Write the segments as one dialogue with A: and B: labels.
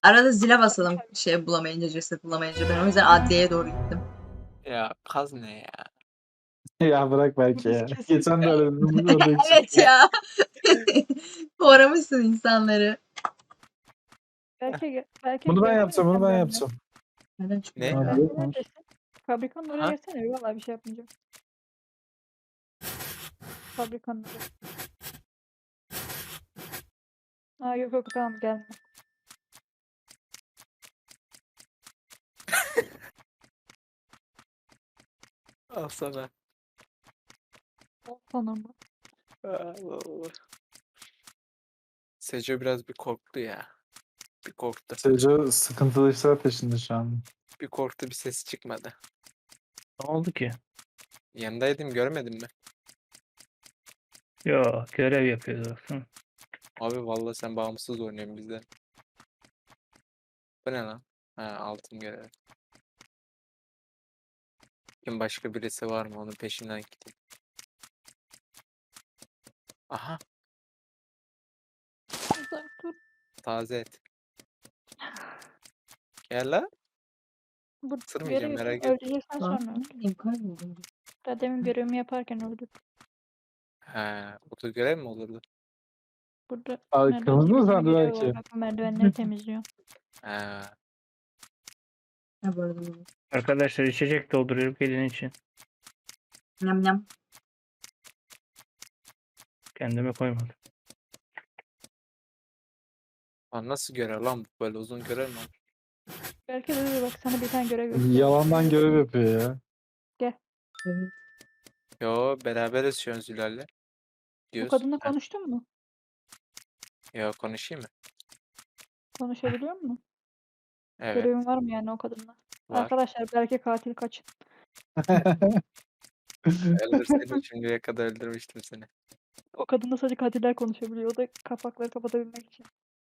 A: Arada zile basalım şey bulamayınca, ceset bulamayınca. Ben o yüzden adliyeye doğru gittim.
B: Ya kaz ne ya?
C: Ya bırak belki ya.
D: Kesin.
C: Geçen de aradım orada için.
A: Evet ya. Uğramışsın insanları.
D: Belki
C: Bunu ben
D: gelsene
C: yapacağım, bunu
D: sen
C: ben
D: benimle.
C: yapacağım.
A: Neden
B: Ne?
A: çıkıyor?
C: Ha,
D: Belki
C: yok mu?
D: neredesin? Fabrikanın oraya
B: Ha?
D: gelsene. Vallahi bir şey yapmayacağım. Fabrikanın oraya. Yok tamam gelme.
B: Al sana.
D: Sana mı?
B: Allah. Seco biraz bir korktu ya. Bir korktu.
C: Seco sıkıntılı işler peşinde şu an.
B: Bir korktu, bir ses çıkmadı.
E: Ne oldu ki?
B: Yanındaydım, görmedin mi?
E: Yo, görev yapıyordu. Hı.
B: Abi vallahi sen bağımsız oynuyorsun bizden. Bu ne lan? Ha, altın görev. Kim başka birisi var mı? Onun peşinden gideyim. Aha,
D: Uzak dur.
B: taze et. Gel lan.
D: Bu
B: Sırmayacağım,
D: görevi
B: merak etme.
D: öldüreceksen
A: Lan
D: sonra.
A: ne bileyim kayboldum.
D: Daha demin görevimi yaparken öldüm.
B: Ha, oto görev mi olurdu?
D: Burada
C: Abi
D: merdiven
C: kırmızı mı
D: temizleme
C: sandı
D: görevi
C: belki?
D: var. Bak bu merdivenleri temizliyor.
B: Ha,
A: Ha bu arada bu.
E: Arkadaşlar içecek dolduruyorum gelin için.
A: Nyam nyam.
E: Kendime koymadım.
B: lan nasıl görev lan bu? Böyle uzun görev mi olur?
D: Belki de bak sana bir tane görev yapacağım.
C: Yalandan görev yapıyor ya.
A: Evet.
B: Yo, beraberiz şu an Zülal'le.
D: Bu
B: Diyoruz.
D: kadınla
B: Ha,
D: konuştun mu?
B: yo, konuşayım mı?
D: Konuşabiliyor musun?
B: Evet,
D: Görevin var mı yani o kadınla?
B: var.
D: Arkadaşlar belki katil kaçın.
B: Öldürseydin şimdiye kadar öldürmüştüm seni.
D: O kadınla sadece katiller konuşabiliyor. O da kapakları kapatabilmek için.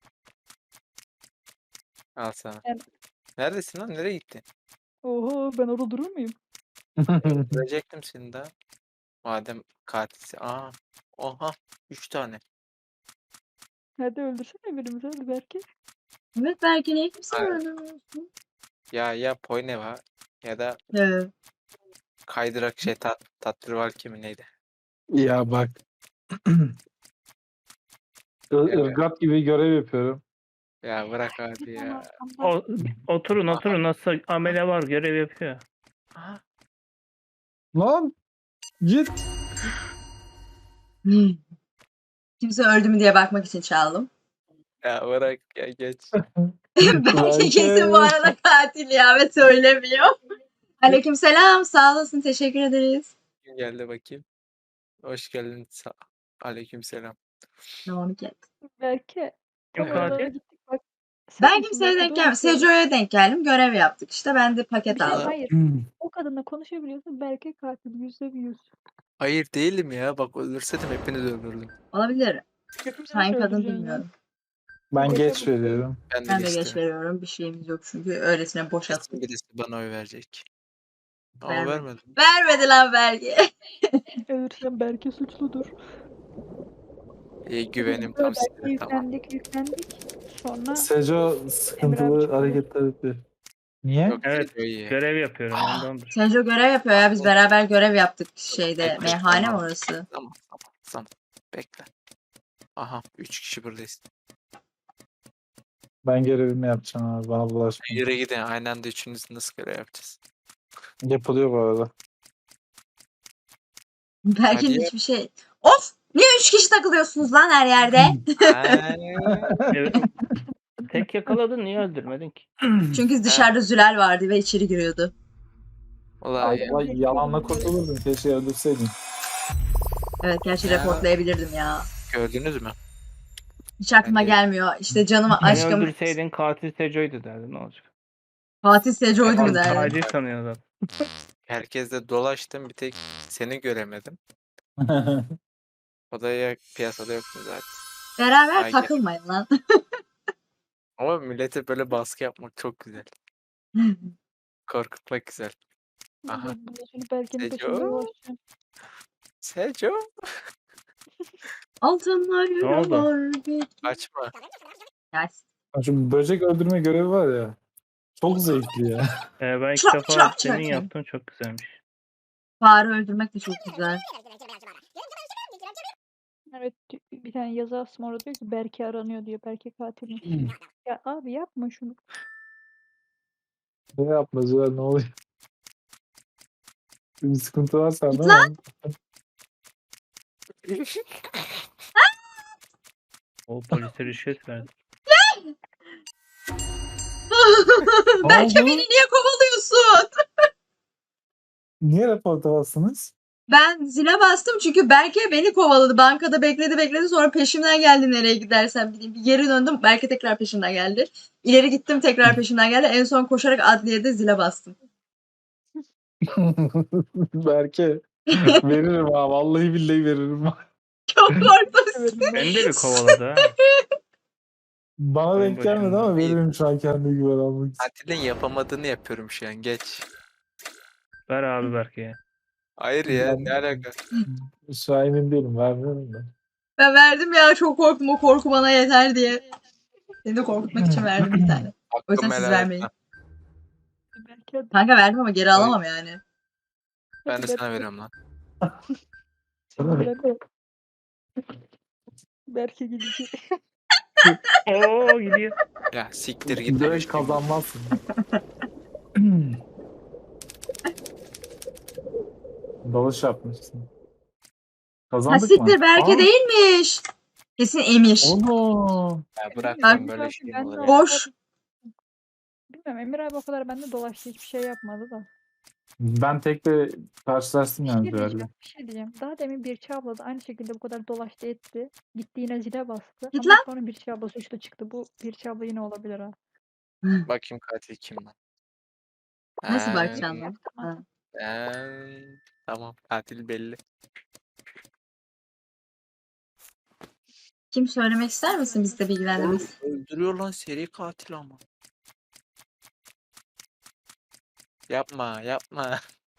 B: Al sana.
D: Yani-
B: Neredesin lan? Nereye gittin?
D: Oho ben orada durur muyum?
B: Öldürecektim seni daha. Madem katilsin. Aa, oha. 3 tane.
D: Hadi öldürsene birimizi hadi belki.
A: Evet belki ne kimse
B: Hayır.
A: öğrenemiyorsun.
B: Ya Poyneva ya da
A: Evet.
B: kaydırak şey Tatlırval kimi neydi?
C: Ya bak.
B: Evet.
C: Irgat gibi görev yapıyorum.
B: Ya bırak abi
D: Bir tane
B: ya.
D: arkamda.
E: Oturun nasıl amele var görev yapıyor.
B: Aha.
C: Lan git.
A: Kimse öldü mü diye bakmak için çaldım.
B: Ya bırak ya geç.
A: Belki kesin bu arada katil ya ve söylemiyor. Aleykümselam. Sağ olasın. Teşekkür ederiz.
B: Kim geldi bakayım? Hoş geldin. Aleykümselam.
A: Ne onu get.
D: Belki
E: Kim
D: oralara
E: katil?
D: gittik bak.
A: Ben
D: Sen
A: kimseye
D: misin?
A: denk
D: Doğru
A: gelmedim.
D: söylüyorsun.
A: Sejo'ya denk geldim. Görev yaptık işte. Ben de paket
D: Bir şey
A: aldım.
D: hayır. O kadınla konuşabiliyorsun belki katil %100.
B: Hayır değilim ya. Bak öldürseydim hepinizi öldürdüm.
A: Olabilir.
D: Hepimizi
A: Hangi
D: nasıl
A: kadın
D: öldüreceksin ya?
A: bilmiyorum.
C: Ben
D: Boşa
C: geç
D: bu.
C: veriyorum.
B: Ben de
A: Ben de geç
B: geçtim.
A: veriyorum. Bir şeyimiz yok çünkü öylesine boş
B: Kesin
A: attık.
B: birisi bana oy verecek. Ama
A: Vermedi.
B: vermedim.
A: Vermedi lan belge.
D: Ölürsem belki suçludur.
B: İyi, güvenim
D: Biz böyle
B: tam sizde. Tamam.
D: yüklendik. Sonra
C: Seco
D: Emre
C: sıkıntılı
D: abi çıktı.
C: hareketler yapıyor. Niye?
B: Yok,
E: Evet.
B: Seco iyi.
E: Görev yapıyorum ondandır.
A: Sejo görev yapıyor ya. Biz beraber görev yaptık şeyde.
B: Bekle,
A: Meyhane mi
B: tamam.
A: orası?
B: Tamam. Bekle. Aha 3 kişi buradayız.
C: Ben görevimi yapacağım abi. Bana bulaşma.
B: Yürü gidin. Aynı anda üçünüz nasıl görev yapacağız?
C: Yapılıyor bu arada.
A: Belki
B: Hadi.
A: hiçbir şey. Of! Niye 3 kişi takılıyorsunuz lan her yerde?
E: Evet. Tek yakaladın niye öldürmedin ki?
A: Çünkü dışarıda Zülal vardı ve içeri giriyordu.
B: Ulan ya.
C: Vay yalanla kurtulurdun. Keşke öldürseydin.
A: Evet gerçi
B: Ya.
A: reportlayabilirdim ya.
B: Gördünüz mü?
A: Hiç aklıma
B: Bence-
A: gelmiyor. İşte canım
E: Beni
A: aşkım
E: öldürseydin katil Seco'ydu derdin ne olacak?
A: Fatih Seco'ydu mu
B: Evet,
A: derdim.
E: Katil sanıyor zaten.
B: Herkesle dolaştım. Bir tek seni göremedim. O da ya piyasada yoktu zaten.
A: Beraber
B: Ay,
A: takılmayın lan.
B: Ama millete böyle baskı yapmak çok güzel. Korkutmak güzel. Aha.
D: Ben şimdi Berke'nin
B: Seco.
D: peşinde dolaşacağım.
B: Seco.
A: Altınlar
E: Ne oldu?
A: yürüyor bir.
B: Kaçma.
A: Ya,
C: Şu böcek öldürme görevi var ya. Çok zevkli ya.
E: Ben ilk
A: Çap,
E: defa
A: çap,
E: senin
A: çap.
E: yaptığın çok güzelmiş.
A: Fare öldürmek de çok güzel.
D: Evet bir tane yazı astım orada diyor ki Berke aranıyor diyor. Berke katilmiş. Ya abi yapma şunu.
C: Ne yapmacılar ne oluyor? Bir sıkıntı var sende
A: Git lan.
C: ama.
E: O polise rüşvet verdi.
A: Belki
C: oldu?
A: beni niye kovalıyorsun?
C: Niye raporta bastınız?
A: Ben zile bastım çünkü Berke beni kovaladı. Bankada bekledi sonra peşimden geldi nereye gidersem gideyim. Bir geri döndüm. Berke tekrar peşimden geldi. İleri gittim tekrar peşimden geldi. En son koşarak adliyede zile bastım.
C: Berke. Veririm ha. Vallahi billahi veririm.
A: Çok korktum.
D: Evet,
E: Beni de bir kovaladı ha.
C: Bana
E: Oyun
C: denk gelmedi
E: başında.
C: ama veririm şu an kendi güven almak için.
B: Katilin yapamadığını yapıyorum şu an. Geç.
E: Ver abi Berke'ye.
B: Hayır ya,
C: Ben-
B: ne alaka?
C: Şu an emin değilim. Vermiyorum da.
A: Ben verdim ya çok korktum. O korku bana yeter diye. Seni de korkutmak için verdim bir tane. O yüzden
B: Hakkımı
A: siz
B: helal
A: vermeyin.
B: etmem.
D: Berke hadi.
A: Kanka verdim ama geri alamam yani.
B: Ben de
D: Hadi
B: sana
D: Berke.
B: veriyorum lan.
D: Berke. Berke gidecek.
E: Oo gidiyor.
B: Ya siktir git.
C: Direkt kazanmazsın. Dalış yapmışsın.
A: Ha
C: Kazandık mı?
A: siktir Berke
C: Aa,
A: değilmiş. Kesin Emir.
C: Oğlum.
B: Ya bırak
A: Bak-
B: lan böyle şey mi
D: Ben
B: olur
D: de-
B: ya?
A: Boş.
D: Bilmiyorum Emir abi o kadar bende dolaştı hiçbir şey yapmadı da.
C: Ben tek de karşılaştım
D: Bir
C: yani
D: şey
C: duelle.
D: diyeceğim. Bir şey diyeceğim. Daha demin Birçi abla da aynı şekilde bu kadar dolaştı etti. Gitti yine zile bastı.
A: Git
D: Ama
A: lan.
D: sonra Birçi abla suçlu çıktı. Bu Birçi abla yine olabilir ha.
B: Bakayım katil kim lan?
A: Nasıl
B: Ha,
A: bakacaksın lan? Ha.
B: Tamam, katil belli.
A: Kim söylemek ister misin biz de bilgilendiririz?
B: Öldürüyor lan, seri katil ama. Yapma, yapma.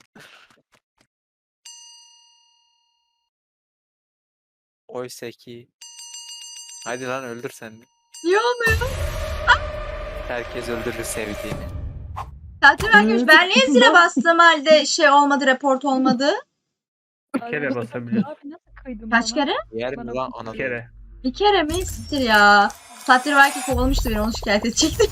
B: Oysa ki. Hadi lan öldür sen de.
A: Niye olmuyor?
B: Herkes öldürür sevdiğini.
A: Katil vermiş. Ben niye zile bastığım halde şey olmadı, report olmadı?
E: Bir kere basabilir.
D: Abi nasıl kıydın
A: Kaç
D: bana?
A: kere?
B: Yer mi
D: Bana
B: lan
E: Bir
B: ananı?
E: kere.
A: Bir kere mi? Siktir ya. Katil belki kovalamıştı beni, onu şikayet edecektim.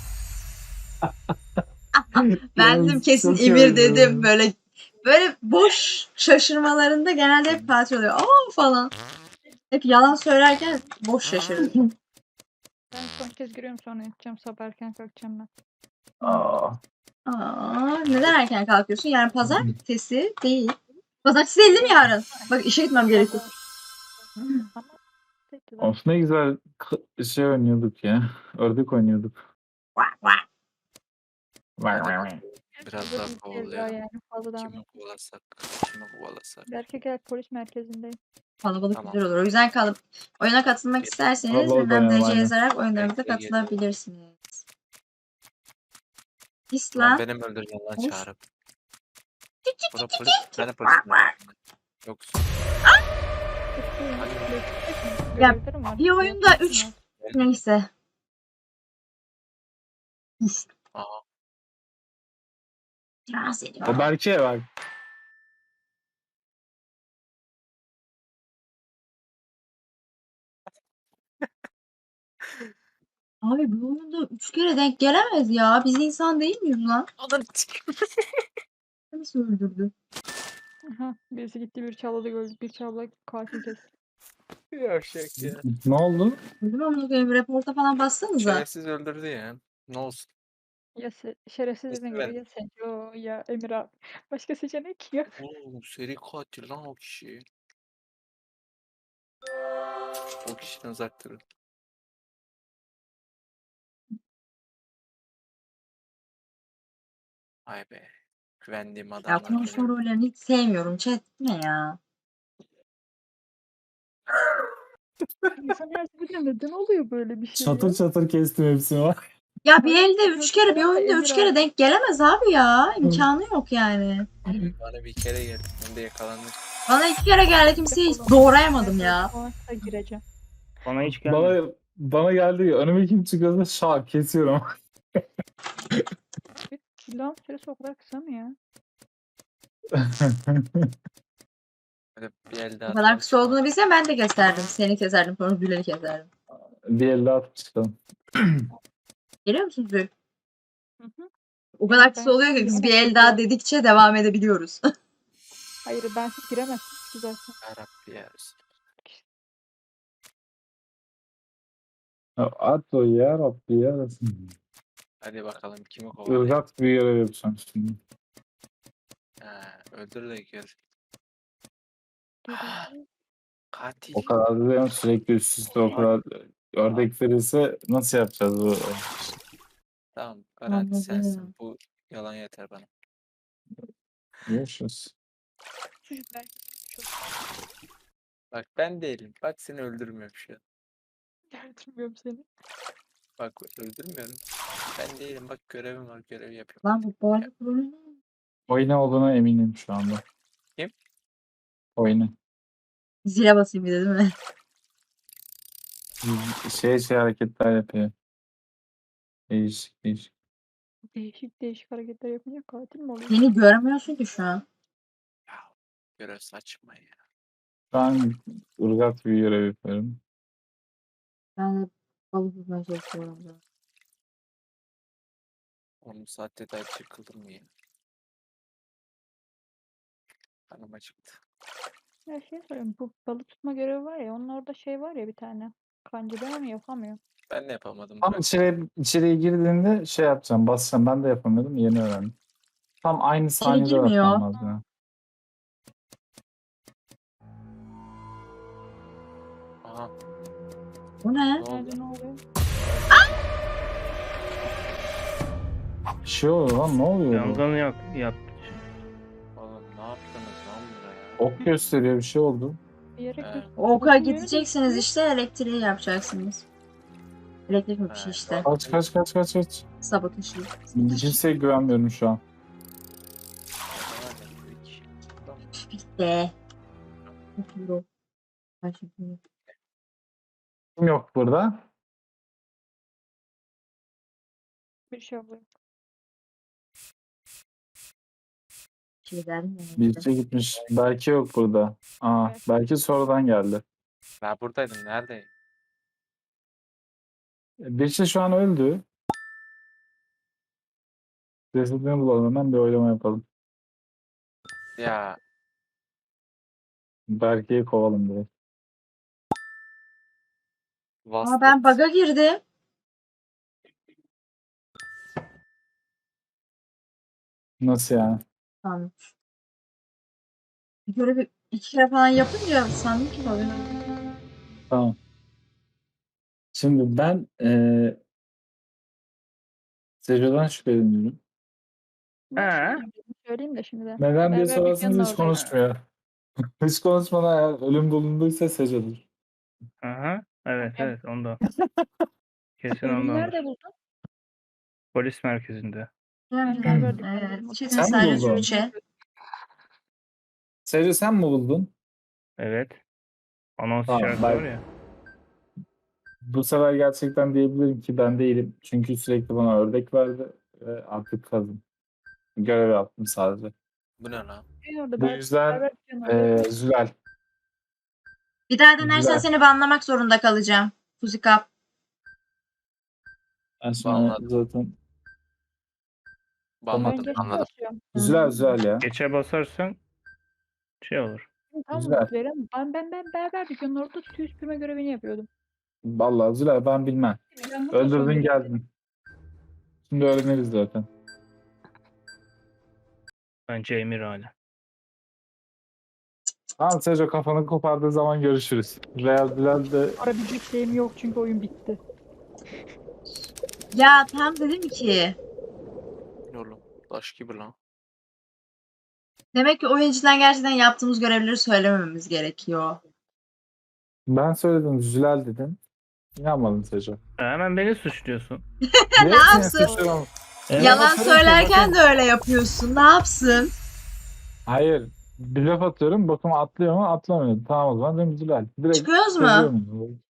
A: Ben dedim kesin
C: çok
A: Emir
C: iyi
A: dedim.
C: oldu.
A: Böyle boş şaşırmalarında genelde hep katil oluyor. Aa falan. Hep yalan söylerken boş şaşırır.
D: Ben son kez giriyorum sonra yatacağım. Sabah erken kalkacağım ben.
C: Aa.
A: Aa, neden erken kalkıyorsun? Yani pazartesi değil. Pazartesi değil mi yarın? Bak işe gitmem gerekiyor.
D: Ama peki lan.
C: Of ne güzel şey oynuyorduk ya. Ördek oynuyorduk.
A: Vah, vah.
B: Biraz
D: Burada
B: daha
D: bir kez
B: kovalayalım.
D: yani fazla daha.
B: Kimi kovalasak, kimi kovalasak.
D: Berke gel polis merkezindeyim.
A: Kalabalık
B: Tamam.
A: güzel olur. O yüzden oyuna katılmak isterseniz
C: Kalabalık
A: bilmem
C: oynayalım,
A: DC
C: aynen.
A: yazarak oyunlarımıza
B: Bekle, geliyorum.
A: katılabilirsiniz.
B: Lan
A: İslam.
B: benim öldüreceğim lan
A: Of.
B: çağırıp. Bura polis, ben de polis.
A: Vah, vah.
B: Yoksa
A: Ya,
D: Görevlerim var.
A: bir oyunda
D: Görevlerim
A: 3
D: var.
A: neyse.
B: Aa.
A: Rahatsız ediyor.
C: Berke'ye bak.
A: Abi bu oyunda 3 kere denk gelemez ya. Biz insan değil miyiz lan? Nasıl öldürdü?
D: Aha, birisi gitti bir çabladı gördü. Bir çabla katil kesti.
B: Yavşak ya.
C: Ne oldu?
A: Öldüm ama koyayım. Reporta falan bassanıza.
B: Şerefsiz öldürdü ya. Ne olsun.
D: Ya şerefsiz
B: Neyse,
D: dediğin gibi ya Seco ya Emir abi. Başka seçenek yok.
B: Oo, seri katil lan o kişi. O kişiden uzak durun. Ay be. Güvendiğim
A: Ya
B: adamlar
A: konuşma
B: geliyor.
A: rollerini hiç sevmiyorum. Chat ne ya?
D: İnsan her seferinde neden oluyor böyle bir şey
C: Çatır
D: ya?
C: çatır kestim hepsini var.
A: Ya bir elde 3 kere, bir oyunda 3 kere denk gelemez abi ya. İmkanı yok yani.
B: Bana bir kere geldi. Ben de yakalandım.
A: Bana 2 kere geldi, kimseyi hiç doğrayamadım ya.
D: Savaşta gireceğim.
E: Bana hiç gelmedi.
C: bana geldi ya. Önüme kim çıkıyorsa şak kesiyorum.
D: Silahın süresi o kadar kısa mı ya?
B: Böyle bir elde
A: Bu kadar kısa olduğunu bilsem ben de keserdim. Seni keserdim sonra Zül'ü keserdim.
C: Bir elle atıp çıkalım.
A: Geliyor musun Zül?
D: Hı hı.
A: O kadar
D: Ben
A: kısa oluyor ki biz bir
D: giremezdim
A: el daha
D: zaten.
A: dedikçe devam edebiliyoruz.
D: Hayır bensiz giremezsiniz ki zaten.
B: Yarabbi ya Resulallah.
C: At o ya Rabbi ya.
B: Hadi bakalım kimi kovalayayım.
C: Irgat bir görev yapacağım şimdi.
B: Ha, öldür de gör.
D: Geliyor.
B: Katil.
C: O kadar da yani sürekli üst üste o kadar ördek verirse nasıl yapacağız bu?
B: Tamam garanti sensin.
A: Anladım.
B: Bu yalan yeter bana.
C: Görüşürüz.
D: Suç belki çok
B: Bak ben değilim. Bak seni öldürmüyorum şu an.
D: gerdirmiyorum seni.
B: Bak öldürmüyorum. Ben değilim. Bak görevim var. Görev yapıyorum.
A: Lan bu boğazı kurulu.
C: Oyuna olduğuna eminim şu anda.
B: Kim?
C: Oyunu.
A: Zile basayım bir de değil mi?
C: Şey hareketler yapıyor. Değişik değişik.
D: Değişik değişik hareketler yapınca katil mi oluyor?
A: Beni görmüyorsun ki şu an.
B: Görev saçma ya.
C: Şu an ırgat bir görev yapıyorum.
A: Ben de balık tutmaya çalışıyorum.
B: 10 saatte daha çıkıldım mı ya? Kanım acıktı.
D: Ya şey söyleyeyim bu balık tutma görevi var ya onun orada şey var ya bir tane. Kanca ben onu yapamıyorum.
B: Ben de yapamadım.
C: Tam
B: Bırak.
C: içeriye girdiğinde şey yapacağım. Basacağım. Ben de yapamıyordum. Yeni öğrendim. Tam aynı saniyede
A: girmiyor.
C: yapmam lazım. ya.
B: Aha.
A: Bu ne?
B: Ne oldu?
D: Nerede ne oluyor?
C: Bir şey oluyor lan. Ne oluyor?
E: Yangın yaptı.
B: Oğlum ne yaptınız lan buraya?
C: Ok gösteriyor. Bir şey oldu.
D: Bir yere
B: He.
D: göz...
A: Oka
D: Bakın yönü
A: gideceksiniz
D: değiştiriyor.
A: işte elektriği yapacaksınız. Elektrik mi bir şey
B: He,
A: işte.
C: Kaç.
A: Sabotajı.
C: Kimseye güvenmiyorum şu an.
A: Bitti. Euro. Kaç euro?
C: Kim yok burada?
D: Bir şey oluyor.
A: Şey derdim ya.
C: Birisi gitmiş. Belki yok burada. Aa,
D: Evet.
C: belki sonradan geldi.
B: Ben buradaydım. Neredeyim?
C: Birisi şu an öldü. Cesedini bulalım hemen bir oylama yapalım.
B: Ya
C: Berke'yi kovalım direkt.
A: Aa ben bug'a girdim.
C: Nasıl yani?
A: Tamam. Bir görevi 2 kere falan yapınca sandım ki oluyor.
C: Tamam. Şimdi ben Sejo'dan şüpheleniyorum.
E: He.
D: Söyleyeyim de şimdi de.
C: Neden diye
D: Beraber
C: sorarsanız
D: dükkanın
C: hiç
D: oradayız.
C: konuşmuyor. Hiç konuşmadan eğer ölüm bulunduysa Sejo'dur.
E: Aha. Evet evet onda. Kesin
D: Ölümü
E: ondandır.
D: nerede buldun?
E: Polis merkezinde.
A: Evet.
D: beraber dükkanı.
A: Evet. Çetin
C: Sen mi
A: sadece
C: buldun?
A: 3'e.
C: Sejo sen mi buldun?
E: Evet. Anons
C: Tamam,
E: şarkı
C: ben-
E: var ya.
C: Bu sefer gerçekten diyebilirim ki ben değilim. Çünkü sürekli bana ördek verdi ve artık kazım. Görev yaptım sadece.
B: Bu ne lan?
D: Orada
C: Bu yüzden
D: beraber dükkanı oradayız.
C: Zülal.
A: Bir daha denersen
C: Güzel.
A: seni banlamak zorunda kalacağım. Fuzikap.
C: Ben sonra
B: Anladım.
C: zaten
D: Ben
B: Banladım.
D: geç
B: Anladım.
D: basıyorum.
C: Zülal ya.
E: Geçe basarsan şey olur.
D: Tamam
C: Güzel.
D: Veren. Ben beraber dükkanın orada tüy süpürme görevini yapıyordum.
C: Vallahi Zülal ben bilmem.
D: Yangın da
C: Öldürdün
D: söndürdüm.
C: geldin. Şimdi öğreniriz zaten.
E: Bence Emir hala.
C: Tamam Sejo kafanı kopardığı zaman görüşürüz. Real Zülal de
D: Arabilecek şeyim yok çünkü oyun bitti.
A: Ya tam dedim ki.
B: Oğlum taş gibi lan.
A: Demek ki oyuncudan gerçekten yaptığımız görevleri söylemememiz gerekiyor.
C: ben söyledim Zülal dedim. İnanmadın Sejo.
E: Hemen beni suçluyorsun.
A: Ne yapsın? Yalan söylerken de öyle yapıyorsun. Ne yapsın?
C: Hayır. Bir laf atıyorum. Bakın atlıyor mu? Atlamıyor. Tamam o zaman dedim Zülal. Direkt
A: Çıkıyoruz mu?
C: söylüyorum.